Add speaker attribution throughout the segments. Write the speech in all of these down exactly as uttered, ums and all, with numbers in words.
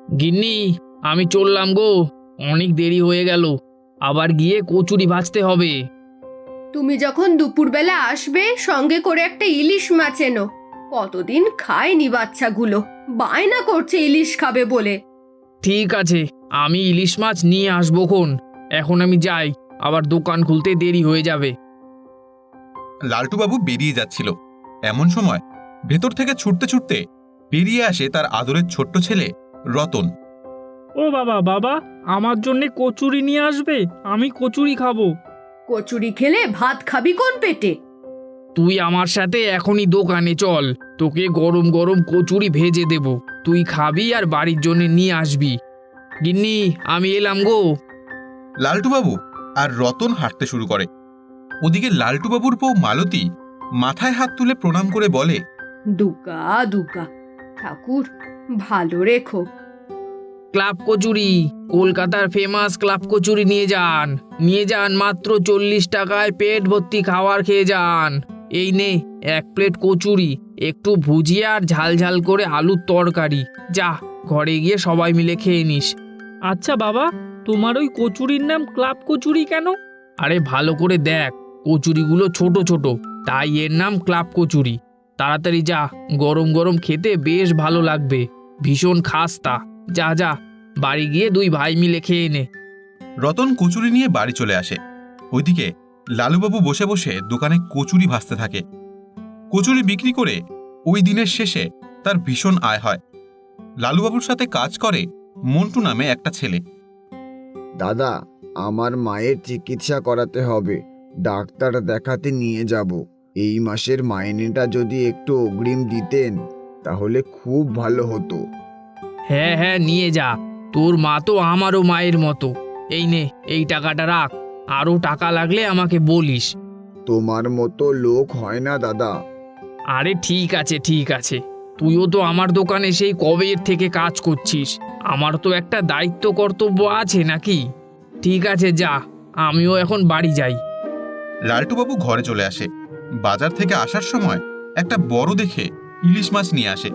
Speaker 1: গিন্নি, আমি চললাম গো। অনেক দেরি হয়ে গেল, আবার গিয়ে কচুরি ভাজতে হবে।
Speaker 2: তুমি যখন দুপুরবেলা আসবে সঙ্গে করে একটা ইলিশ মাছ এনো। কতদিন খায়নি বাচ্চাগুলো, বায়না করছে ইলিশ খাবে বলে।
Speaker 1: ঠিক আছে, আমি ইলিশ মাছ নিয়ে আসবো খন। এখন আমি যাই, আবার দোকান খুলতে দেরি হয়ে যাবে।
Speaker 3: লালটুবাবু বেরিয়ে যাচ্ছিল, এমন সময় ভেতর থেকে ছুটতে ছুটতে বেরিয়ে আসে তার আদরের ছোট্ট ছেলে রতন।
Speaker 4: ও বাবা, বাবা আমার জন্যে কচুরি নিয়ে আসবে, আমি কচুরি খাবো।
Speaker 2: কচুরি খেলে ভাত খাবি কোন পেটে?
Speaker 1: তুই আমার সাথে এখনই দোকানে চল, তোকে গরম গরম কচুরি ভেজে দেব। তুই খাবি আর বাড়ির জন্য নিয়ে আসবি। গিন্নি, আমি এলাম গো।
Speaker 3: লালটুবাবু আর রতন হাঁটতে শুরু করে। ওদিকে লালটুবাবুর বউ মালতী মাথায় হাত তুলে প্রণাম করে বলে,
Speaker 2: দুগা দুগা, ঠাকুর ভালো রেখো।
Speaker 1: ক্লাব কচুরি, কলকাতার ফেমাস ক্লাব কচুরি নিয়ে যান, নিয়ে যান, মাত্র চল্লিশ টাকায় পেট ভর্তি খাবার খেয়ে যান। এই নে এক প্লেট কচুরি, একটু ভুজিয়া আর ঝাল ঝাল করে আলুর তরকারি। যা, ঘরে গিয়ে সবাই মিলে খেয়ে নিস।
Speaker 4: আচ্ছা বাবা, তোমার ওই কচুরির নাম ক্লাব কচুরি কেন?
Speaker 1: আরে ভালো করে দেখ, কচুরিগুলো ছোট ছোট, তাই এর নাম ক্লাব কচুরি। তাড়াতাড়ি যা, গরম গরম খেতে বেশ ভালো লাগবে, ভীষণ খাস্তা। যা যা, বাড়ি গিয়ে দুই ভাই মিলে খেয়ে নে।
Speaker 3: রতন কচুরি নিয়ে বাড়ি চলে আসে। ওইদিকে লালুবাবু বসে বসে দোকানে কচুরি ভাজতে থাকে। কচুরি বিক্রি করে ওই দিনের শেষে তার ভীষণ আয় হয়। লালুবাবুর সাথে কাজ করে মন্টু নামে একটা ছেলে।
Speaker 5: দাদা, আমার মায়ের চিকিৎসা করাতে হবে, ডাক্তার দেখাতে নিয়ে যাব। এই মাসের মাইনেটা যদি একটু অগ্রিম দিতেন তাহলে খুব ভালো হতো।
Speaker 1: হ্যাঁ হ্যাঁ, নিয়ে যা, তোর মা তো আমারও মায়ের মতো। এই নে, এই টাকাটা রাখ, আরও টাকা লাগলে আমাকে বলিস।
Speaker 5: তোমার মতো লোক হয় না দাদা।
Speaker 1: আরে ঠিক আছে ঠিক আছে, তুইও তো আমার দোকানে সেই কবের থেকে কাজ করছিস, আমার তো একটা দায়িত্ব কর্তব্য আছে নাকি? ঠিক আছে যা, আমিও এখন বাড়ি যাই।
Speaker 3: লালটুবাবু ঘরে চলে আসে। বাজার থেকে আসার সময় একটা বড় দেখে ইলিশ মাছ নিয়ে আসে।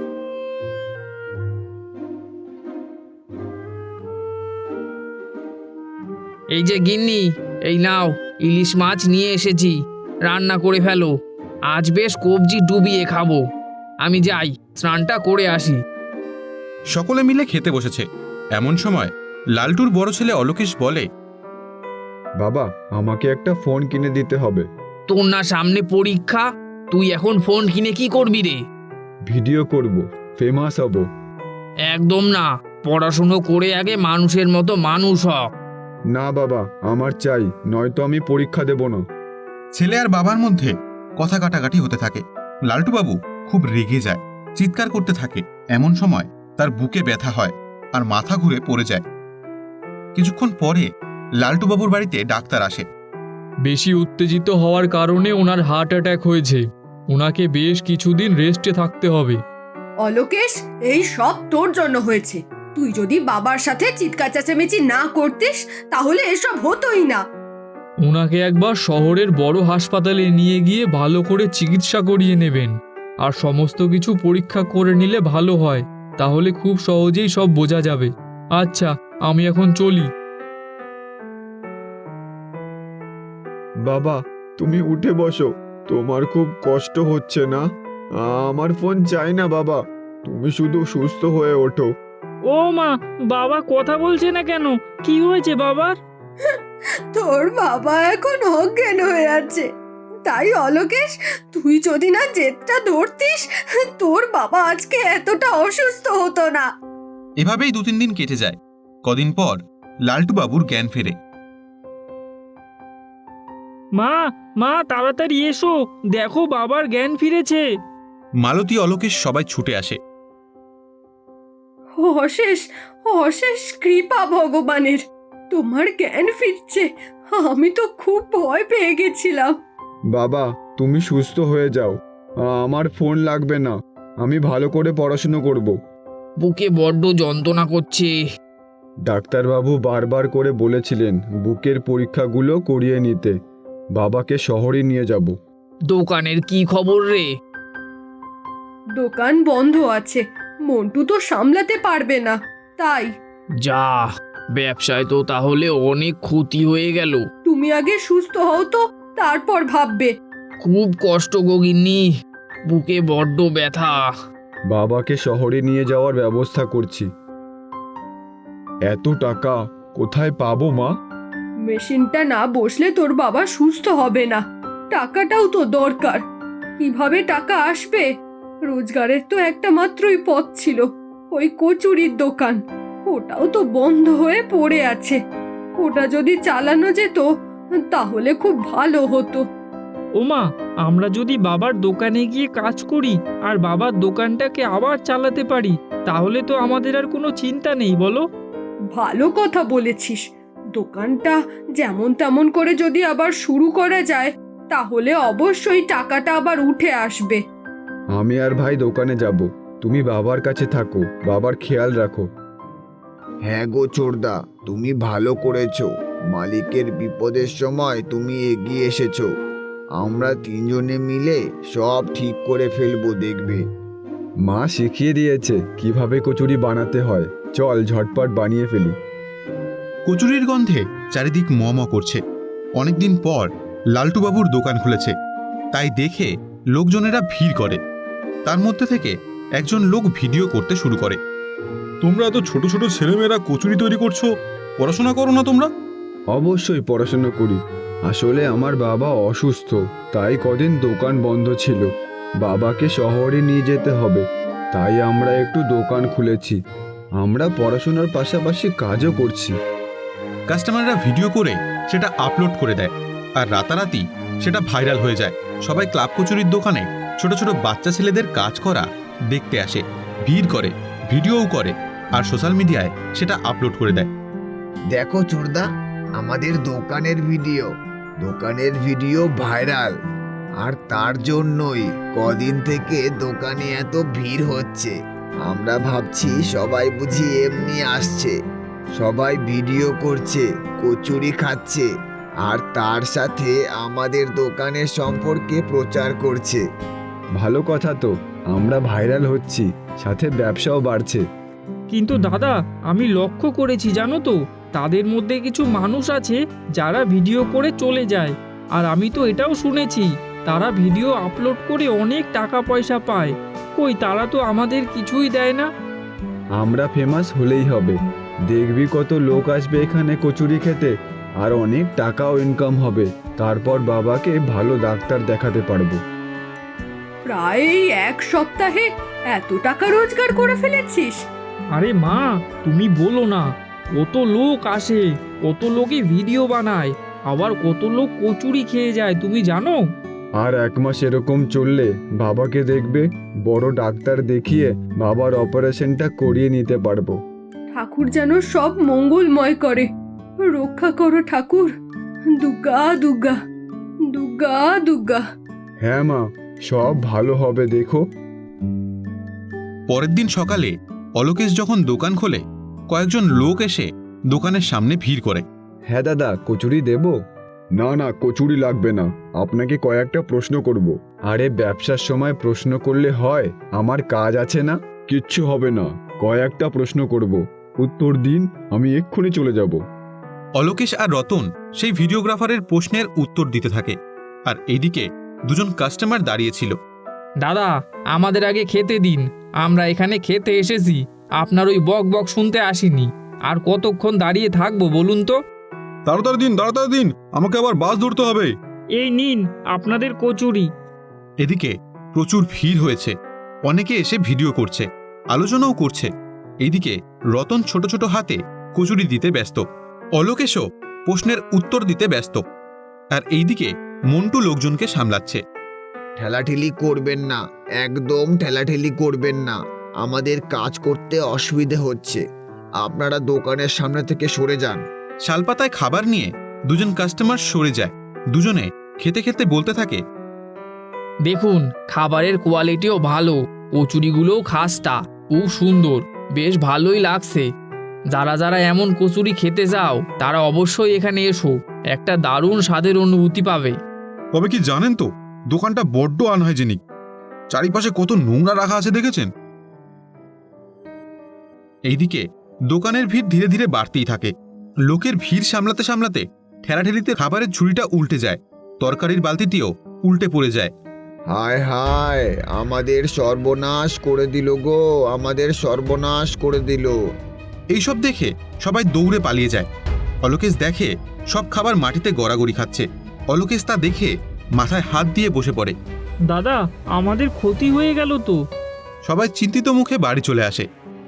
Speaker 1: এই যে গিন্নি, এই নাও, ইলিশ মাছ নিয়ে এসেছি, রান্না করে ফেলো। আজ বেশ কবজি ডুবিয়ে খাবো। আমি যাই, স্নানটা করে আসি।
Speaker 3: সকলে মিলে খেতে বসেছে। এমন সময় লালটুর বড় ছেলে অলোকেশ বলে,
Speaker 5: বাবা, আমাকে একটা ফোন কিনে দিতে হবে।
Speaker 1: তোর না সামনে পরীক্ষা, তুই এখন ফোন কিনে কি করবি রে?
Speaker 5: ভিডিও করব, ফেমাস হব।
Speaker 1: একদম না, পড়াশুনো করে আগে মানুষের মতো মানুষ হ।
Speaker 5: না বাবা, আমার চাই, নয়তো আমি পরীক্ষা দেব না।
Speaker 3: ছেলে আর বাবার মধ্যে কথা কাটাকাটি হতে থাকে। লালটুবাবু খুব রেগে যায়, চিৎকার করতে থাকে। এমন সময় তার বুকে ব্যথা হয় আর মাথা ঘুরে পড়ে যায়। কিছুক্ষণ পরে লালটুবাবুর বাড়িতে ডাক্তার আসে।
Speaker 4: বেশি উত্তেজিত হওয়ার কারণে ওনার হার্ট অ্যাটাক হয়েছে, ওনাকে বেশ কিছুদিন রেস্টে থাকতে হবে।
Speaker 2: অলোকেশ, এই সব তোর জন্য হয়েছে। তুই যদি বাবার সাথে চিৎকার চেঁচামেচি না করতিস তাহলে এসব হতোই না।
Speaker 4: ওনাকে একবার শহরের বড় হাসপাতালে নিয়ে গিয়ে ভালো করে চিকিৎসা করিয়ে নেবেন, আর সমস্ত কিছু পরীক্ষা করে নিলে ভালো হয়, তাহলে খুব সহজেই সব বোঝা যাবে। আচ্ছা, আমি এখন চলি।
Speaker 5: বাবা, তুমি উঠে বসো, তোমার খুব কষ্ট হচ্ছে না? আমার ফোন চাই না বাবা, তুমি শুধু সুস্থ হয়ে ওঠো।
Speaker 4: ও মা, বাবা কথা বলছে না কেন? কি হয়েছে বাবার?
Speaker 2: তোর বাবা এখন অজ্ঞান হয়ে আছে। তাই অলোকেশ, তুই যদি না জেদটা ধরতিস তোর বাবা আজকে এতটা অসুস্থ হতো না।
Speaker 3: এভাবেই দু তিন দিন কেটে যায়। কদিন পর লালটুবাবুর জ্ঞান ফেরে।
Speaker 4: মা, মা তাড়াতাড়ি এসো, দেখো বাবার জ্ঞান ফিরেছে।
Speaker 3: মালতী, অলোকেশ সবাই ছুটে আসে।
Speaker 2: অশেষ অশেষ কৃপা ভগবানের, তোমার জ্ঞান ফিরছে। আমি তো খুব ভয় পেয়ে গেছিলাম।
Speaker 5: বাবা, তুমি সুস্থ হয়ে যাও, আমার ফোন লাগবে না, আমি ভালো করে পড়াশুনো করব।
Speaker 1: বুকে বড্ড যন্ত্রণা করছে।
Speaker 5: ডাক্তারবাবু বারবার করে বলেছিলেন বুকের পরীক্ষাগুলো করিয়ে নিতে। বাবাকে শহরে নিয়ে যাব।
Speaker 1: দোকানের কি খবর রে?
Speaker 2: দোকান বন্ধ আছে, মন্টু তো সামলাতে পারবে না, তাই
Speaker 1: যা, ব্যবসায় তো তাহলে অনেক ক্ষতি হয়ে গেল।
Speaker 2: তুমি আগে সুস্থ হও তো, তারপর ভাববে।
Speaker 1: খুব কষ্ট গো গিন্নি, বুকে বড্ড ব্যথা।
Speaker 6: বাবাকে শহরে নিয়ে যাওয়ার ব্যবস্থা করছি। এত টাকা কোথায় পাবো মা?
Speaker 2: মেশিনটা না বসলে তোর বাবা সুস্থ হবে না। টাকাটাও তো দরকার। কিভাবে টাকা আসবে? রোজগারের তো একটা মাত্রই পথ ছিল, ওই কচুরির দোকান। ওটাও তো বন্ধ হয়ে পড়ে আছে। ওটা যদি চালানো যেত তাহলে খুব ভালো হতো।
Speaker 4: ওমা, আমরা যদি বাবার দোকানে গিয়ে কাজ করি আর বাবার দোকানটাকে আবার চালাতে পারি, তাহলে তো আমাদের আর কোনো চিন্তা নেই, বলো?
Speaker 2: ভালো কথা বলেছিস। দোকানটা যেমন তেমন করে যদি আবার শুরু করা যায় তাহলে অবশ্যই টাকাটা আবার উঠে আসবে।
Speaker 6: আমি আর ভাই দোকানে যাব, তুমি বাবার কাছে থাকো, বাবার খেয়াল রাখো।
Speaker 5: হ্যাঁ গো চোরদা, তুমি ভালো করেছো। মালিকের বিপদের সময় তুমি এগিয়ে এসেছো। আমরা তিনজনে মিলে সব ঠিক করে ফেলবো, দেখবে।
Speaker 6: মা শিখিয়ে দিয়েছে কিভাবে কচুরি বানাতে হয়, চল ঝটপট বানিয়ে ফেলি।
Speaker 3: কচুরির গন্ধে চারিদিক ম ম করছে। অনেকদিন পর লালটুবাবুর দোকান খুলেছে, তাই দেখে লোকজনেরা ভিড় করে। তার মধ্যে থেকে একজন লোক ভিডিও করতে শুরু করে।
Speaker 7: তোমরা এত ছোট ছোট ছেলেমেয়েরা কচুরি তৈরি করছো, পড়াশোনা করো না তোমরা?
Speaker 6: অবশ্যই পড়াশোনা করি। আসলে আমার বাবা অসুস্থ, তাই কদিন দোকান বন্ধ ছিল। বাবাকে শহরে নিয়ে যেতে হবে, তাই আমরা একটু দোকান খুলেছি। আমরা পড়াশোনার পাশাপাশি কাজও করছি।
Speaker 3: কাস্টমাররা ভিডিও করে সেটা আপলোড করে দেয়, আর রাতারাতি সেটা ভাইরাল হয়ে যায়। সবাই ক্লাব কচুরির দোকানে ছোট ছোট বাচ্চা ছেলেদের কাজ করা দেখতে আসে, ভিড় করে, ভিডিওও করে, আর সোশ্যাল মিডিয়ায় সেটা আপলোড করে দেয়।
Speaker 5: দেখো চোরদা, আমাদের দোকানের ভিডিও দোকানের ভিডিও ভাইরাল, আর তার জন্যই কদিন থেকে দোকানে এত ভিড় হচ্ছে। আমরা ভাবছি সবাই বুঝি এমনি আসছে। সবাই ভিডিও করছে, কচুরি খাচ্ছে, আর তার সাথে আমাদের দোকানের সম্পর্কে প্রচার করছে।
Speaker 6: ভালো কথা তো, আমরা ভাইরাল হচ্ছি, সাথে ব্যবসাও বাড়ছে।
Speaker 4: কিন্তু দাদা, আমি লক্ষ্য করেছি জানো তো, তাদের মধ্যে কিছু মানুষ আছে যারা ভিডিও করে চলে যায়। আর আমি তো এটাও শুনেছি তারা ভিডিও আপলোড করে অনেক টাকা পয়সা পায়। কই, তারা তো আমাদের কিছুই দেয় না।
Speaker 6: আমরা ফেমাস হলেই হবে, দেখবি কত লোক আসবে এখানে কচুরি খেতে, আর অনেক টাকাও ইনকাম হবে। তারপর বাবাকে ভালো ডাক্তার দেখাতে পারবো।
Speaker 2: প্রায় এই এক সপ্তাহে এত টাকা রোজগার করে ফেলেছিস?
Speaker 4: আরে মা, তুমি বলো না, কত লোক আসে, কত লোকে ভিডিও বানায়, আবার কত লোক কচুরি খেয়ে যায়, তুমি জানো?
Speaker 6: আর এক মাস এরকম চললে বাবাকে দেখবে বড় ডাক্তার দেখিয়ে বাবার অপারেশনটা করিয়ে নিতে পারবো।
Speaker 2: ঠাকুর যেন সব মঙ্গলময় করে। রক্ষা করো ঠাকুর। দুর্গা দুর্গা দুর্গা দুর্গা।
Speaker 6: হ্যাঁ মা, সব ভালো হবে, দেখো।
Speaker 3: পরের দিন সকালে অলোকেশ যখন দোকান খোলে, কয়েকজন লোক এসে দোকানের সামনে ভিড় করে।
Speaker 6: হ্যাঁ দাদা, কচুরি দেব? না না, কচুরি লাগবে না, আপনাকে কয়েকটা প্রশ্ন করব। আরে ব্যবসার সময় প্রশ্ন করলে হয়? আমার কাজ আছে না। কিচ্ছু হবে না, কয়েকটা প্রশ্ন করব, উত্তর দিন, আমি এক্ষুনি চলে যাব।
Speaker 3: অলোকেশ আর রতন সেই ভিডিওগ্রাফারের প্রশ্নের উত্তর দিতে থাকে, আর এইদিকে দুজন কাস্টমার দাঁড়িয়েছিল।
Speaker 1: দাদা, আমাদের আগে খেতে দিন, আমরা এখানে খেতে এসেছি, আপনার ওই বক বক শুনতে আসিনি। আর কতক্ষণ দাঁড়িয়ে থাকবো বলুন তো?
Speaker 7: তাড়াতাড়ি দিন, তাড়াতাড়ি দিন, আমাকে আবার বাস ধরতে হবে।
Speaker 4: এই নিন আপনাদের কচুরি।
Speaker 3: এদিকে প্রচুর ভিড় হয়েছে, অনেকে এসে ভিডিও করছে, আলোচনাও করছে। এইদিকে রতন ছোট ছোট হাতে কচুরি দিতে ব্যস্ত, অলোকেশও প্রশ্নের উত্তর দিতে ব্যস্ত, আর এইদিকে মন্টু লোকজনকে সামলাচ্ছে।
Speaker 5: ঠেলাঠেলি করবেন না, একদম ঠেলাঠেলি করবেন না, আমাদের কাজ করতে অসুবিধে হচ্ছে। আপনারা দোকানের সামনে থেকে সরে যান।
Speaker 3: শালপাতায় খাবার নিয়ে দুজন কাস্টমার সরে যায়। দুজনে খেতে খেতে বলতে থাকে,
Speaker 1: দেখুন, খাবারের কোয়ালিটিও ভালো, কচুরিগুলোও খাস্তা, খুব সুন্দর, বেশ ভালোই লাগছে। যারা যারা এমন কচুরি খেতে যাও তারা অবশ্যই এখানে এসো, একটা দারুণ স্বাদের অনুভূতি পাবে।
Speaker 7: তবে কি জানেন তো, দোকানটা বড্ড আনহাইজেনিক, চারিপাশে কত নোংরা রাখা আছে দেখেছেন?
Speaker 3: এইদিকে দোকানের ভিড় ধীরে ধীরে বাড়তেই থাকে। লোকের ভিড় সামলাতে সামলাতে ঠেলাঠেলিতে খাবারের ঝুড়িটা উল্টে যায়, তরকারির বালতিটিও উল্টে পড়ে যায়।
Speaker 5: হায় হায়, আমাদের সর্বনাশ করে দিল গো, আমাদের সর্বনাশ করে দিল।
Speaker 3: এইসব দেখে সবাই দৌড়ে পালিয়ে যায়। অলোকেশ দেখে সব খাবার মাটিতে গড়াগড়ি খাচ্ছে। অলোকেশ তা দেখে মাথায় হাত দিয়ে বসে পড়ে।
Speaker 4: দাদা, আমাদের ক্ষতি হয়ে গেল তো।
Speaker 3: সবাই চিন্তিত মুখে বাড়ি চলে আসে।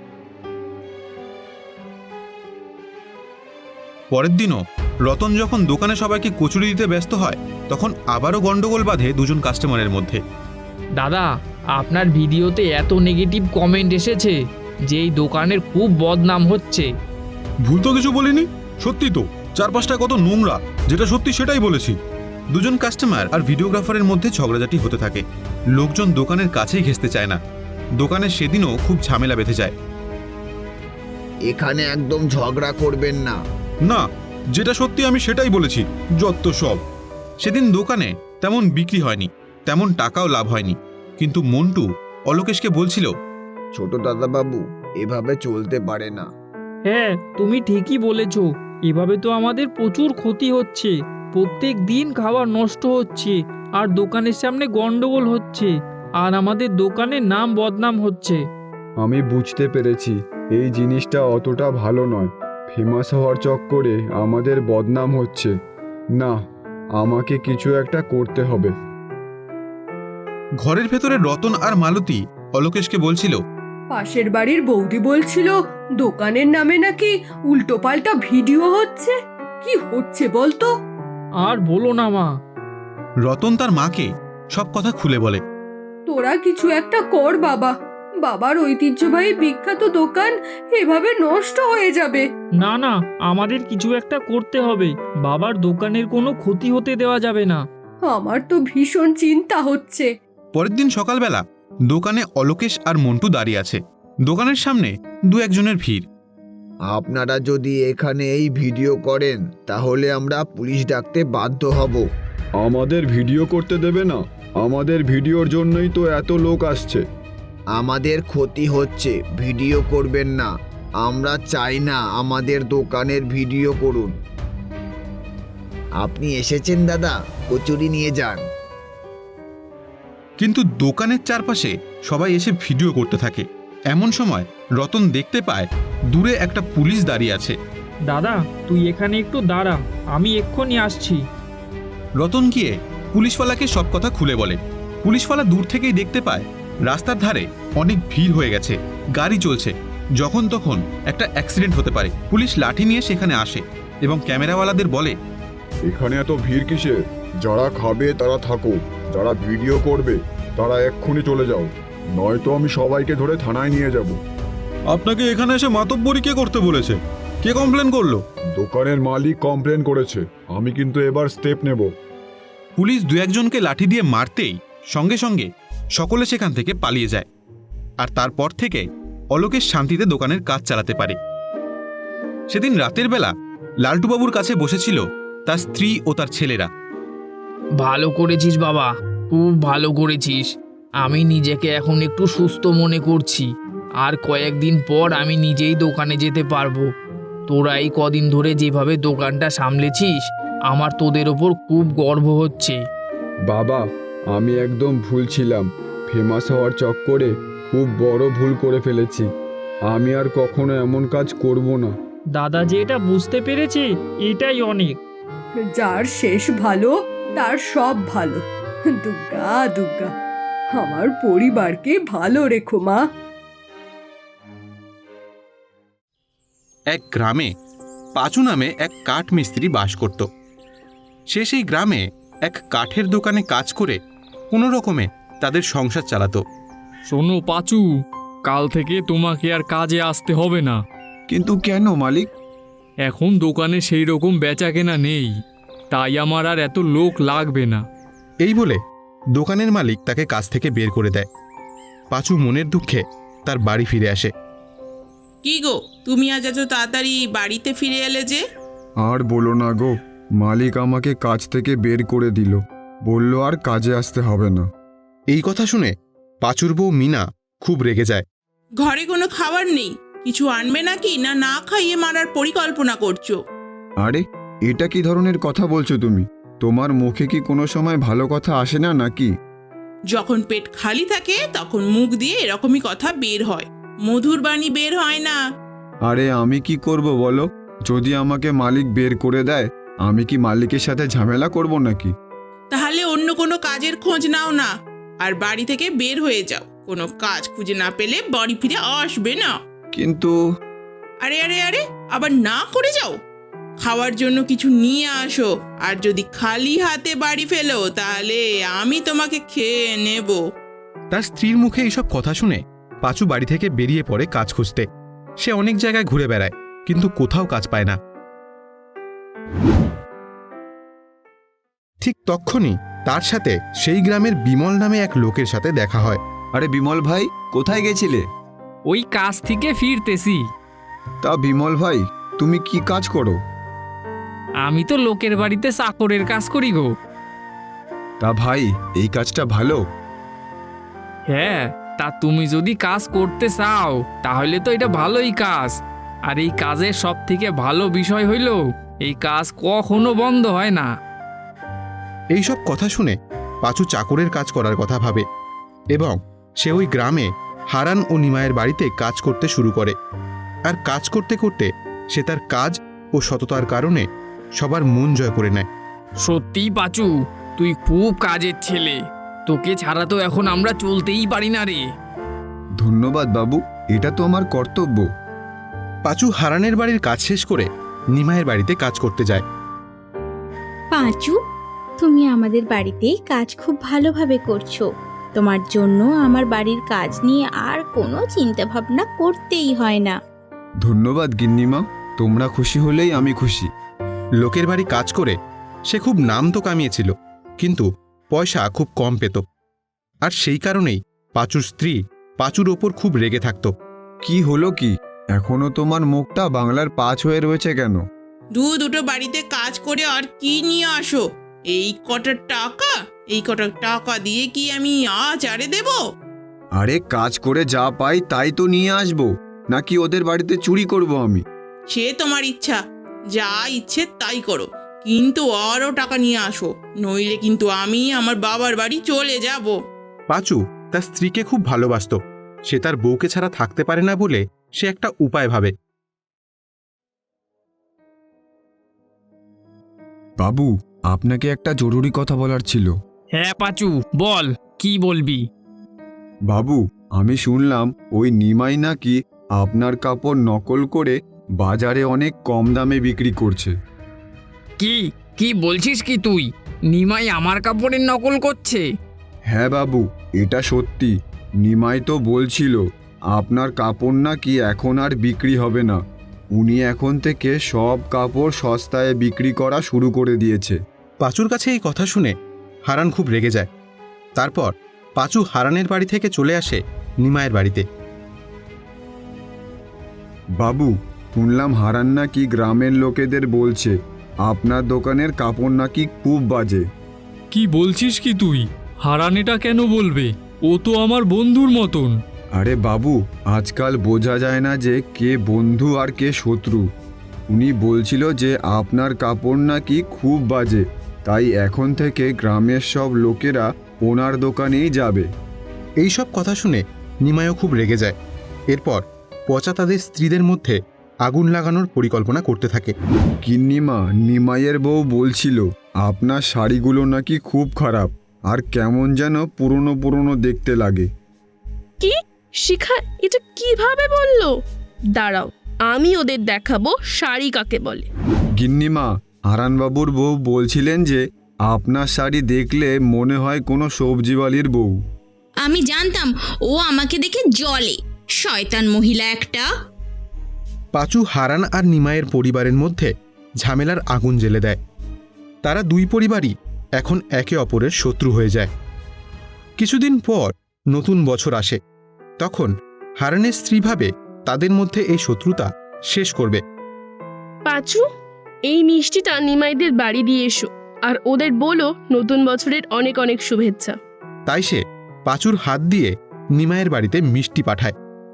Speaker 3: পরের দিনও রতন যখন দোকানে সবাইকে কচুরি দিতে ব্যস্ত হয়, তখন আবারও গন্ডগোল বাঁধে দুজন কাস্টমারের মধ্যে।
Speaker 1: দাদা, আপনার ভিডিওতে এত নেগেটিভ কমেন্ট এসেছে যে এই দোকানের খুব বদনাম হচ্ছে।
Speaker 7: ভুল তো কিছু বলিনি, সত্যি তো চারপাশটা কত নোংরা, যেটা সত্যি সেটাই বলেছি।
Speaker 3: দুজন কাস্টমার আর ভিডিওগ্রাফারের মধ্যে ঝগড়াঝাটি হতে থাকে। লোকজন দোকানের কাছেই ঘেঁষতে চায় না। দোকানে সেদিনও খুব ঝামেলা বেঁধে যায়।
Speaker 5: এখানে একদম ঝগড়া করবেন না।
Speaker 7: না, যেটা সত্যি আমি সেটাই বলেছি, যত সব।
Speaker 3: সেদিন দোকানে তেমন বিক্রি হয়নি, তেমন টাকাও লাভ হয়নি। কিন্তু মন্টু অলোকেশকে বলছিল,
Speaker 5: ছোট দাদাবাবু, এভাবে চলতে পারে না।
Speaker 4: হ্যাঁ, তুমি ঠিকই বলেছ। এভাবে তো আমাদের প্রচুর ক্ষতি হচ্ছে। প্রত্যেক দিন খাবার নষ্ট হচ্ছে, আর দোকানের সামনে গন্ডগোল হচ্ছে, আর আমাদের দোকানের নাম বদনাম হচ্ছে।
Speaker 6: আমি বুঝতে পেরেছি এই জিনিসটা অতটা ভালো নয়। ফেমাস হওয়ার চক্করে আমাদের বদনাম হচ্ছে। না, আমাকে কিছু একটা করতে হবে।
Speaker 3: ঘরের ভেতরে রতন আর মালতী অলোকেশকে বলছিল,
Speaker 2: পাশের বাড়ির বৌদি বলছিল দোকানের নামে নাকি উল্টোপাল্টা ভিডিও হচ্ছে। কি হচ্ছে বলতো?
Speaker 4: আর বলো না মা।
Speaker 3: রতন তার মাকে সব কথা খুলে বলে।
Speaker 2: তোরা কিছু একটা কর বাবা, বাবার ঐতিহ্যবাহী বিখ্যাত দোকান এভাবে নষ্ট হয়ে যাবে।
Speaker 4: না না, আমাদের কিছু একটা করতে হবে। বাবার দোকানের কোনো ক্ষতি হতে দেওয়া যাবে না।
Speaker 2: আমার তো ভীষণ চিন্তা হচ্ছে।
Speaker 3: পরের দিন সকালবেলা দোকানে অলোকেশ আর মন্টু দাঁড়িয়ে আছে। দোকানের সামনে দু একজনের ভিড়।
Speaker 5: আপনারা যদি এখানে এই ভিডিও করেন তাহলে আমরা পুলিশ ডাকতে বাধ্য হব।
Speaker 6: আমাদের ভিডিও করতে দেবে না? আমাদের ভিডিওর জন্যই তো এত লোক আসছে।
Speaker 5: আমাদের ক্ষতি হচ্ছে, ভিডিও করবেন না। আমরা চাই না আমাদের দোকানের ভিডিও করুন। আপনি এসেছেন দাদা, কচুরি নিয়ে যান।
Speaker 3: কিন্তু দোকানের চারপাশে সবাই এসে ভিডিও করতে থাকে। এমন সময় রতন দেখতে পায় দূরে একটা পুলিশ দাঁড়িয়ে আছে।
Speaker 4: দাদা, তুই এখানে একটু দাঁড়া, আমি এক্ষুনি আসছি।
Speaker 3: রতন গিয়ে পুলিশওয়ালাকে সব কথা খুলে বলে। পুলিশওয়ালা দূর থেকেই দেখতে পায় রাস্তার ধারে অনেক ভিড় হয়ে গেছে, গাড়ি চলছে, যখন তখন একটা অ্যাক্সিডেন্ট হতে পারে। পুলিশ লাঠি নিয়ে সেখানে আসে এবং ক্যামেরাওয়ালাদের বলে,
Speaker 6: এখানে এত ভিড় কিসে? যারা খাবে তারা থাকো, যারা ভিডিও করবে তারা এক্ষুনি চলে যাও, নয়তো আমি সবাইকে ধরে থানায় নিয়ে যাব।
Speaker 7: আপনাকে এখানে এসে মাতব্বরি কে করতে বলেছে? কে কমপ্লেন করলো?
Speaker 6: দোকানের মালিক কমপ্লেন করেছে, আমি কিন্তু এবার স্টেপ নেব।
Speaker 3: পুলিশ দু একজনকে লাঠি দিয়ে মারতেই সঙ্গে সঙ্গে সকলে সেখান থেকে পালিয়ে যায়। আর তারপর থেকে অলোকেশ শান্তিতে দোকানের কাজ চালাতে পারে। সেদিন রাতের বেলা লালটুবাবুর কাছে বসেছিল তার স্ত্রী ও তার ছেলেরা।
Speaker 1: ভালো করেছিস বাবা, খুব ভালো করেছিস। আমি নিজেকে এখন একটু সুস্থ মনে করছি। আর কয়েকদিন পর আমি নিজেই দোকানে যেতে পারবো। তোরা এই কদিন ধরে যেভাবে দোকানটা সামলেছিস, আমার তোদের ওপর খুব গর্ব হচ্ছে।
Speaker 6: বাবা, আমি একদম ভুল ছিলাম। ফেমাস হওয়ার চক্করে খুব বড় ভুল করে ফেলেছি। আমি আর কখনো এমন কাজ করব না।
Speaker 4: দাদা যে এটা বুঝতে পেরেছে, এটাই অনেক।
Speaker 2: যার শেষ ভালো তার সব ভালো। দুর্গা দুর্গা, আমার পরিবারকে ভালো রেখো মা।
Speaker 3: এক গ্রামে পাঁচু নামে এক কাঠ মিস্ত্রি বাস করত। সে সেই গ্রামে এক কাঠের দোকানে কাজ করে কোনো রকমে তাদের সংসার চালাতো।
Speaker 4: শোনো পাঁচু, কাল থেকে তোমাকে আর কাজে আসতে হবে না।
Speaker 5: কিন্তু কেন মালিক?
Speaker 4: এখন দোকানে সেই রকম বেচা কেনা নেই, তাই আমার আর এত লোক লাগবে না।
Speaker 3: এই বলে দোকানের মালিক তাকে কাজ থেকে বের করে দেয়। পাঁচু মনের দুঃখে তার বাড়ি ফিরে আসে।
Speaker 8: কি গো, তুমি আজ এত তাড়াতাড়ি বাড়িতে ফিরে এলে যে?
Speaker 6: আর বলো না গো, মালিক আমাকে কাজ থেকে বের করে দিল, বলল আর কাজে আসতে হবে না।
Speaker 3: এই কথা শুনে পাঁচুর বউ মিনা খুব রেগে যায়।
Speaker 8: ঘরে কোনো খাবার নেই, কিছু আনবে নাকি, না না খাইয়ে মারার পরিকল্পনা করছো?
Speaker 6: আরে এটা কি ধরনের কথা বলছো তুমি? তোমার মুখে কি কোনো সময় ভালো কথা আসে না নাকি?
Speaker 8: যখন পেট খালি থাকে তখন মুখ দিয়ে এরকমই কথা বের হয়, মধুর বাণী বের হয় না।
Speaker 6: আরে আমি কি করব বলো? যদি আমাকে মালিক বের করে দেয়, আমি কি মালিকের সাথে ঝামেলা করব নাকি?
Speaker 8: তাহলে অন্য কোনো কাজের খোঁজ নাও না, আর বাড়ি থেকে বের হয়ে যাও। কোনো কাজ খুঁজে না পেলে বাড়ি ফিরে আসবে না।
Speaker 6: কিন্তু
Speaker 8: আরে আরে আরে আবার না করে যাও। খাওয়ার জন্য কিছু নিয়ে আসো, আর যদি খালি হাতে বাড়ি ফেলো তাহলে আমি তোমাকে খেয়ে নেব।
Speaker 3: তার স্ত্রীর মুখে এইসব কথা শুনে পাঁচু বাড়ি থেকে বেরিয়ে পড়ে কাজ খুঁজতে। সে অনেক জায়গায় ঘুরে বেড়ায়, কিন্তু কোথাও কাজ পায় না। ঠিক তক্ষুনি তার সাথে সেই গ্রামের বিমল নামে এক লোকের সাথে দেখা হয়।
Speaker 6: আরে বিমল ভাই, কোথায় গেছিলে?
Speaker 4: ওই কাজ থেকে ফিরতেছি।
Speaker 6: তা বিমল ভাই, তুমি কি কাজ করো?
Speaker 4: আমি তো লোকের বাড়িতে চাকরের কাজ করি গো।
Speaker 6: তা ভাই, এই কাজটা ভালো?
Speaker 4: হ্যাঁ, তা তুমি যদি কাজ করতে চাও তাহলে তো এটা ভালোই কাজ। আর এই কাজের সব থেকে ভালো বিষয় হইল এই কাজ কখনো বন্ধ হয় না।
Speaker 3: এইসব কথা শুনে পাঁচু চাকরের কাজ করার কথা ভাবে এবং সে ওই গ্রামে হারান ও নিমায়ের বাড়িতে কাজ করতে শুরু করে। আর কাজ করতে করতে সে তার কাজ ও সততার কারণে সবার মন জয় করে নেয়।
Speaker 1: সত্যিই পাঁচু, তুই খুব কাজের ছেলে। তোকে ছাড়া তো এখন আমরা চলতেই পারি না রে।
Speaker 6: ধন্যবাদ বাবু, এটা তো আমার কর্তব্য।
Speaker 3: পাঁচু হারানের বাড়ির কাজ শেষ করে নিমায়ের বাড়িতে কাজ করতে যায়।
Speaker 9: পাঁচু, তুমি আমাদের বাড়িতে কাজ খুব ভালোভাবে করছো। তোমার জন্য আমার বাড়ির কাজ নিয়ে আর কোনো চিন্তা ভাবনা করতেই হয় না।
Speaker 6: ধন্যবাদ গিন্নিমা, তোমরা খুশি হলেই আমি খুশি।
Speaker 3: লোকের বাড়ি কাজ করে সে খুব নাম তো কামিয়েছিল, কিন্তু পয়সা খুব কম পেত। আর সেই কারণেই পাঁচুর স্ত্রী পাঁচুর ওপর খুব রেগে থাকত।
Speaker 6: কি হলো কি? এখনো তোমার মুখটা বাংলার পাঁচ হয়ে রয়েছে কেন?
Speaker 8: দু দুটো বাড়িতে কাজ করে আর কি নিয়ে আসো? এই কটা টাকা, এই কটা টাকা দিয়ে কি আমি আচারে দেব?
Speaker 6: আরে কাজ করে যা পাই তাই তো নিয়ে আসবো, নাকি ওদের বাড়িতে চুরি করব আমি?
Speaker 8: সে তোমার ইচ্ছা, যা ইচ্ছে তাই করো, কিন্তু আরও টাকা নিয়ে আসো, নইলে কিন্তু আমি আমার বাবার বাড়ি চলে যাব।
Speaker 3: পাঁচু তার স্ত্রীকে খুব ভালোবাসত। সে তার বউকে ছাড়া থাকতে পারে না বলে সে একটা উপায় ভাবে।
Speaker 6: বাবু, আপনাকে একটা জরুরি কথা বলার ছিল।
Speaker 1: হ্যাঁ পাঁচু, বল, কি বলবি?
Speaker 6: বাবু, আমি শুনলাম ওই নিমাই নাকি আপনার কাপড় নকল করে বাজারে অনেক কম দামে বিক্রি করছে।
Speaker 1: কি কি বলছিস কি তুই? নিমাই আমার কাপড়ের নকল করছে?
Speaker 6: হ্যাঁ বাবু, এটা সত্যি। নিমাই তো বলছিল আপনার কাপড় নাকি এখন আর বিক্রি হবে না। উনি এখন থেকে সব কাপড় সস্তায় বিক্রি করা শুরু করে দিয়েছে।
Speaker 3: পাঁচুর কাছে এই কথা শুনে হারান খুব রেগে যায়। তারপর পাঁচু হারানের বাড়ি থেকে চলে আসে নিমায়ের বাড়িতে।
Speaker 6: বাবু, শুনলাম হারান নাকি গ্রামের লোকেদের বলছে আপনার দোকানের কাপড় নাকি খুব বাজে।
Speaker 4: কি বলছিস কি তুই? হারান এটা কেন বলবে? ও তো আমার বন্ধুর মতন।
Speaker 6: আরে বাবু, আজকাল বোঝা যায় না যে কে বন্ধু আর কে শত্রু। উনি বলছিল যে আপনার কাপড় নাকি খুব বাজে, তাই এখন থেকে গ্রামের সব লোকেরা ওনার দোকানেই যাবে।
Speaker 3: এই সব কথা শুনে নিমাইও খুব রেগে যায়। এরপর পচা তাদের স্ত্রীদের মধ্যে আগুন লাগানোর পরিকল্পনা করতে থাকে।
Speaker 6: গিন্নিমা, নিমাইয়ের বউ বলছিল আপনার শাড়িগুলো নাকি খুব খারাপ আর কেমন যেন পুরনো পুরনো দেখতে লাগে।
Speaker 10: কি? শিখা এটা কিভাবে বললো? দাঁড়াও, আমি ওদের দেখাবো শাড়ি কাকে বলে।
Speaker 6: গিন্নিমা, হারানবাবুর বউ বলছিলেন যে আপনার শাড়ি দেখলে মনে হয় কোনো সবজিওয়ালির বউ।
Speaker 9: আমি জানতাম ও আমাকে দেখে জলে, শয়তান মহিলা একটা।
Speaker 3: পাঁচু হারান আর নিমাইয়ের পরিবারের মধ্যে ঝামেলার আগুন জ্বেলে দেয়। তারা দুই পরিবারই এখন একে অপরের শত্রু হয়ে যায়। কিছুদিন পর নতুন বছর আসে। তখন হারানের স্ত্রী ভাবে তাদের মধ্যে এই শত্রুতা শেষ করবে।
Speaker 10: পাঁচু, এই মিষ্টিটা নিমাইদের বাড়ি দিয়ে এসো, আর ওদের বলো নতুন বছরের অনেক অনেক শুভেচ্ছা।
Speaker 3: তাই সে পাঁচুর হাত দিয়ে নিমাইয়ের বাড়িতে মিষ্টি পাঠায়।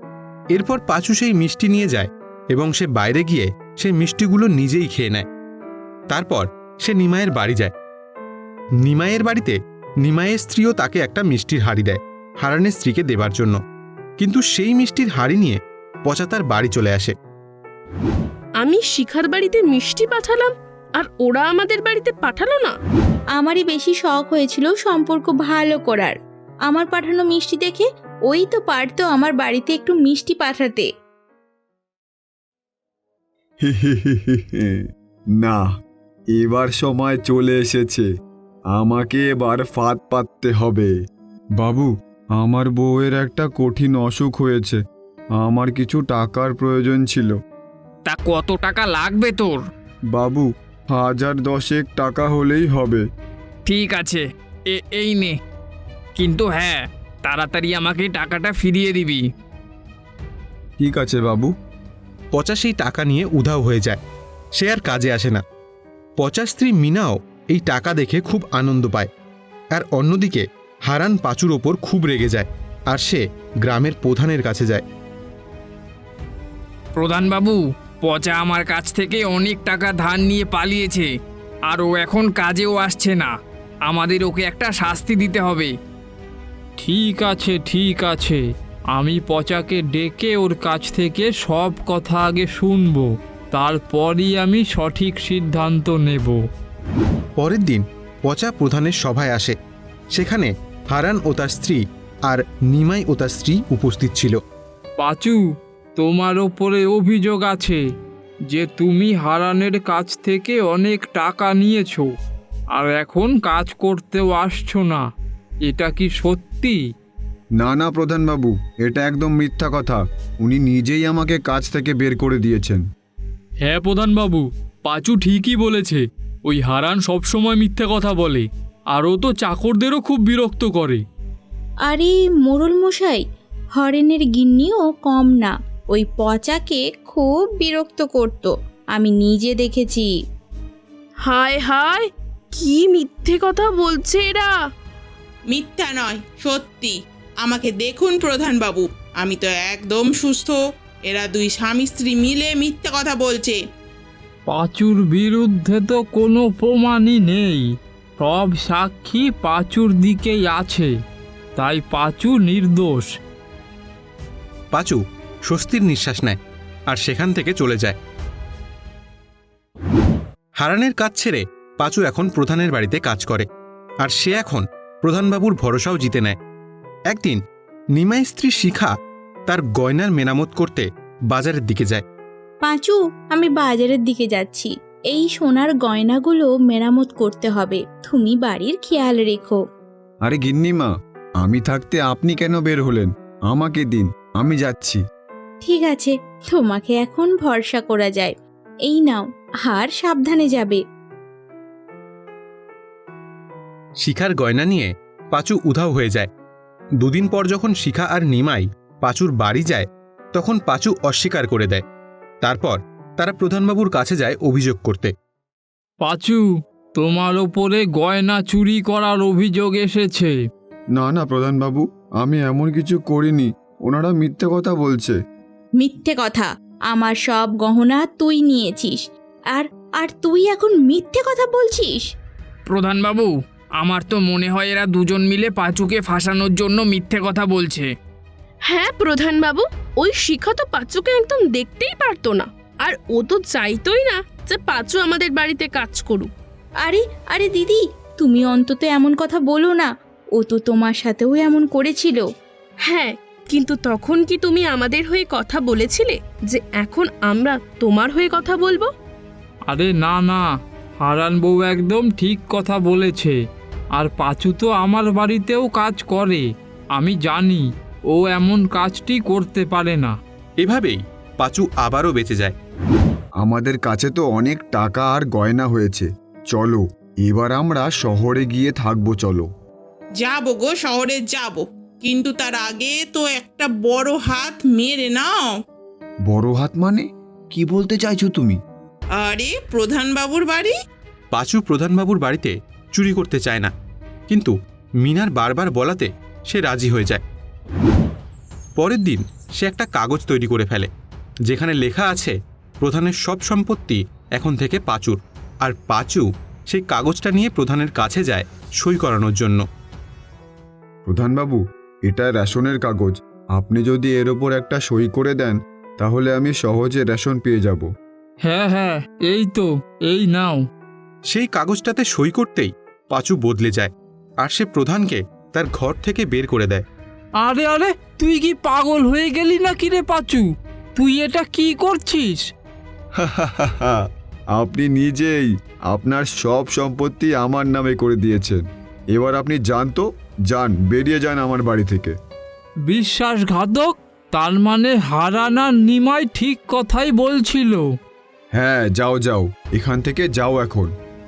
Speaker 3: এরপর পাঁচু সেই মিষ্টি নিয়ে যায় এবং সে বাইরে গিয়ে সেই মিষ্টিগুলো নিজেই খেয়ে নেয়। তারপর সে নিমাইয়ের বাড়ি যায়। নিমাইয়ের বাড়িতে নিমাইয়ের স্ত্রীও তাকে একটা মিষ্টির হাঁড়ি দেয় হারানের স্ত্রীকে দেবার জন্য, কিন্তু সেই মিষ্টির হাঁড়ি নিয়ে পচা তার বাড়ি চলে আসে।
Speaker 10: আমি শিখার বাড়িতে মিষ্টি পাঠালাম আর ওরা আমাদের বাড়িতে পাঠালো না।
Speaker 9: আমারই বেশি শখ হয়েছিল সম্পর্ক ভালো করার। আমার পাঠানো মিষ্টি দেখে ওই তো পারতো আমার বাড়িতে একটু মিষ্টি পাঠাতে।
Speaker 6: না, এবার সময় চলে এসেছে, আমাকে এবার ফাঁদ পাততে হবে। বাবু, আমার বউয়ের একটা কঠিন অসুখ হয়েছে, আমার কিছু টাকার প্রয়োজন ছিল।
Speaker 1: তা কত টাকা লাগবে তোর?
Speaker 6: বাবু, হাজার দশেক টাকা হলেই হবে।
Speaker 1: ঠিক আছে, এ এই নে, কিন্তু হ্যাঁ, তাড়াতাড়ি আমাকে টাকাটা ফিরিয়ে দিবি।
Speaker 6: ঠিক আছে বাবু।
Speaker 3: পচা সেই টাকা নিয়ে উধাও হয়ে যায়, সে আর কাজে আসে না। পচা স্ত্রী মিনাও এই টাকা দেখে খুব আনন্দ পায়, আর অন্যদিকে হারান পাঁচুর ওপর খুব রেগে যায়, আর সে গ্রামের প্রধানের কাছে যায়।
Speaker 1: প্রধানবাবু, পচা আমার কাছ থেকে অনেক টাকা ধার নিয়ে পালিয়েছে, আর ও এখন কাজেও আসছে না। আমাদের ওকে একটা শাস্তি দিতে হবে।
Speaker 4: ঠিক আছে ঠিক আছে, আমি পচাকে ডেকে ওর কাছ থেকে সব কথা আগে শুনবো, তারপরই আমি সঠিক সিদ্ধান্ত নেব।
Speaker 3: পরের দিন পচা প্রধানের সভায় আসে। সেখানে হারান ও তার স্ত্রী আর নিমাই ও তার স্ত্রী উপস্থিত ছিল।
Speaker 4: পাঁচু, তোমার ওপরে অভিযোগ আছে যে তুমি হারানের কাছ থেকে অনেক টাকা নিয়েছো আর এখন কাজ করতেও আসছো না, এটা কি সত্যি?
Speaker 6: না না প্রধানবাবু, এটা একদম মিথ্যা কথা। উনি নিজেই আমাকে কাজ থেকে বের করে দিয়েছেন।
Speaker 4: হ্যাঁ প্রধানবাবু, পাঁচু ঠিকই বলেছে। ওই হারান সবসময় মিথ্যে কথা বলে, আর ও তো চাকরদেরও খুব বিরক্ত করে।
Speaker 9: আরে মোড়ল মশাই, হরেনের গিন্নিও কম না, ওই পচাকে খুব বিরক্ত করত, আমি নিজে দেখেছি।
Speaker 10: হায় হায়, কি মিথ্যে কথা বলছে এরা।
Speaker 8: মিথ্যা নয়, সত্যি। আমাকে দেখুন প্রধানবাবু, আমি তো একদম সুস্থ। এরা দুই স্বামী স্ত্রী মিলে মিথ্যা কথা বলছে।
Speaker 4: পাঁচুর বিরুদ্ধে তো কোনো প্রমাণই নেই, সব সাক্ষী পাঁচুর দিকেই আছে, তাই পাঁচু নির্দোষ।
Speaker 3: পাঁচু স্বস্তির নিঃশ্বাস নেয় আর সেখান থেকে চলে যায়। হারানের কাজ ছেড়ে পাঁচু এখন প্রধানের বাড়িতে কাজ করে, আর সে এখন প্রধানবাবুর ভরসাও জিতে নেয়। একদিন নিমাই স্ত্রী শিখা তার গয়নার মেরামত করতে বাজারের দিকে যায়।
Speaker 9: পাঁচু, আমি বাজারের দিকে যাচ্ছি, এই সোনার গয়নাগুলো মেরামত করতে হবে, তুমি বাড়ির খেয়াল রেখো।
Speaker 6: আরে গিন্নিমা, আমি থাকতে আপনি কেন বের হলেন? আমাকে দিন, আমি যাচ্ছি।
Speaker 9: ঠিক আছে, তোমাকে এখন ভরসা করা যায়, এই নাও, আর সাবধানে যাবে।
Speaker 3: শিখার গয়না নিয়ে পাঁচু উধাও হয়ে যায়। দুদিন পর যখন শিখা আর নিমাই পাঁচুর বাড়ি যায়, তখন পাঁচু অস্বীকার করে দেয়। তারপর তারা প্রধানবাবুর কাছে যায় অভিযোগ করতে।
Speaker 4: পাঁচু, তোমার ওপরে গয়না চুরি করার অভিযোগ এসেছে।
Speaker 6: না না প্রধানবাবু, আমি এমন কিছু করিনি, ওনারা মিথ্যে কথা বলছে।
Speaker 9: মিথ্যে কথা? আমার সব গহনা তুই নিয়েছিস, আর আর তুই এখন মিথ্যে কথা বলছিস?
Speaker 1: প্রধানবাবু, আমার তো মনে হয় এরা দুজন মিলে পাঁচুকে ফাঁসানোর জন্য মিথ্যে কথা বলছে।
Speaker 10: হ্যাঁ প্রধানবাবু, ওই শিখা তো পাঁচুকে একদম দেখতেই পারতো না, আর ও তো চাইতোই না যে পাঁচু আমাদের বাড়িতে কাজ করুক।
Speaker 9: আরে আরে দিদি, তুমি অন্তত এমন কথা বলো না, ও তো তোমার সাথেও এমন করেছিল।
Speaker 10: হ্যাঁ, কিন্তু তখন কি তুমি আমাদের হয়ে কথা বলেছিলে যে এখন আমরা তোমার হয়ে কথা বলবো?
Speaker 4: আরে না না, হারান বউ একদম ঠিক কথা বলেছে, আর পাঁচু তো আমার বাড়িতেও কাজ করে, আমি জানি ও এমন কাজটি করতে পারে না।
Speaker 3: এভাবেই পাঁচু আবারও বেঁচে যায়।
Speaker 6: আমাদের কাছে তো অনেক টাকা আর গয়না হয়েছে, চলো এবার আমরা শহরে গিয়ে থাকবো। চলো
Speaker 8: যাবো গো, শহরে যাব, কিন্তু তার আগে তো একটা বড় হাত মেরে নাও।
Speaker 5: বড় হাত মানে কি বলতে চাইছো তুমি?
Speaker 8: আরে প্রধানবাবুর বাড়ি।
Speaker 3: পাঁচু প্রধানবাবুর বাড়িতে চুরি করতে চায় না, কিন্তু মিনার বারবার বলাতে সে রাজি হয়ে যায়। পরের দিন সে একটা কাগজ তৈরি করে ফেলে, যেখানে লেখা আছে প্রধানের সব সম্পত্তি এখন থেকে পাঁচুর, আর পাঁচু সেই কাগজটা নিয়ে প্রধানের কাছে যায় সই করানোর জন্য।
Speaker 6: প্রধানবাবু, এটা রেশনের কাগজ। আপনি যদি এর ওপর একটা সই করে দেন তাহলে আমি সহজে রেশন পেয়ে যাব।
Speaker 4: হ্যাঁ হ্যাঁ, এই তো, এই নাও।
Speaker 3: সেই কাগজটাতে সই করতেই পাঁচু বদলে যায়, আর সে প্রধানকে তার ঘর থেকে বের করে দেয়।
Speaker 4: আরে আরে, তুই কি পাগল হয়ে গেলি নাকি রে পাঁচু? তুই এটা কি করছিস?
Speaker 6: আপনি নিজেই আপনার সব সম্পত্তি আমার নামে করে দিয়েছেন। এবার আপনি যান তো, যান, বেরিয়ে যান আমার বাড়ি থেকে।
Speaker 4: বিশ্বাসঘাতক! তার মানে হারানা নিমাই ঠিক কথাই বলছিল।
Speaker 6: হ্যাঁ, যাও যাও, এখান থেকে যাও এখন।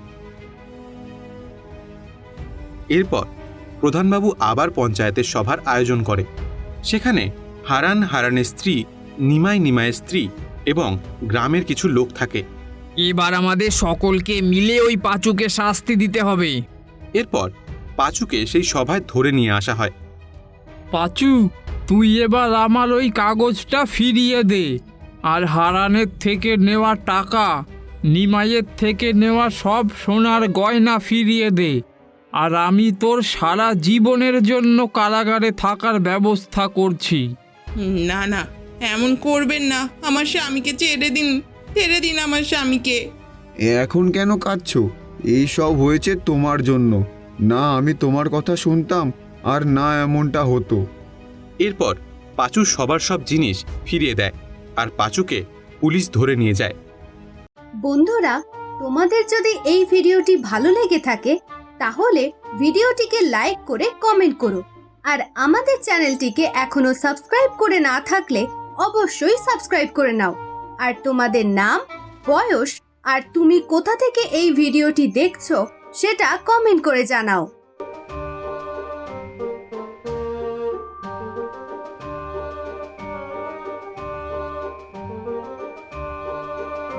Speaker 3: এরপর প্রধানবাবু আবার পঞ্চায়েতের সভার আয়োজন করে। সেখানে হারান, হারানের স্ত্রী, নিমাই, নিমাইয়ের স্ত্রী এবং গ্রামের কিছু লোক থাকে।
Speaker 1: এবার আমাদের সকলকে মিলে ওই পাঁচুকে শাস্তি দিতে হবে।
Speaker 3: এরপর পাঁচুকে সেই সভায় ধরে নিয়ে আসা হয়।
Speaker 4: পাঁচু, তুই এবার আমার ওই কাগজটা ফিরিয়ে দে, আর হারানের থেকে নেওয়া টাকা, নিমাইয়ের থেকে নেওয়া সব সোনার গয়না ফিরিয়ে দে, আর আমি তোর সারা জীবনের জন্য কারাগারে থাকার ব্যবস্থা করছি।
Speaker 8: না না, এমন করবেন না, আমার স্বামীকে ছেড়ে দিন, ছেড়ে দিন আমার স্বামীকে।
Speaker 6: এখন কেন কাঁদছো? এই সব হয়েছে তোমার জন্য। না আমি তোমার কথা শুনতাম, আর না এমনটা হতো।
Speaker 3: এরপর পাঁচু সবার সব জিনিস ফিরিয়ে দেয়, আর পাঁচুকে পুলিশ ধরে নিয়ে যায়।
Speaker 11: বন্ধুরা, তোমাদের যদি এই ভিডিওটি ভালো লেগে থাকে তাহলে ভিডিওটিকে লাইক করে কমেন্ট করো, আর আমাদের চ্যানেলটিকে এখনো সাবস্ক্রাইব করে না থাকলে অবশ্যই সাবস্ক্রাইব করে নাও। আর তোমাদের নাম, বয়স আর তুমি কোথা থেকে এই ভিডিওটি দেখছো সেটা কমেন্ট করে জানাও।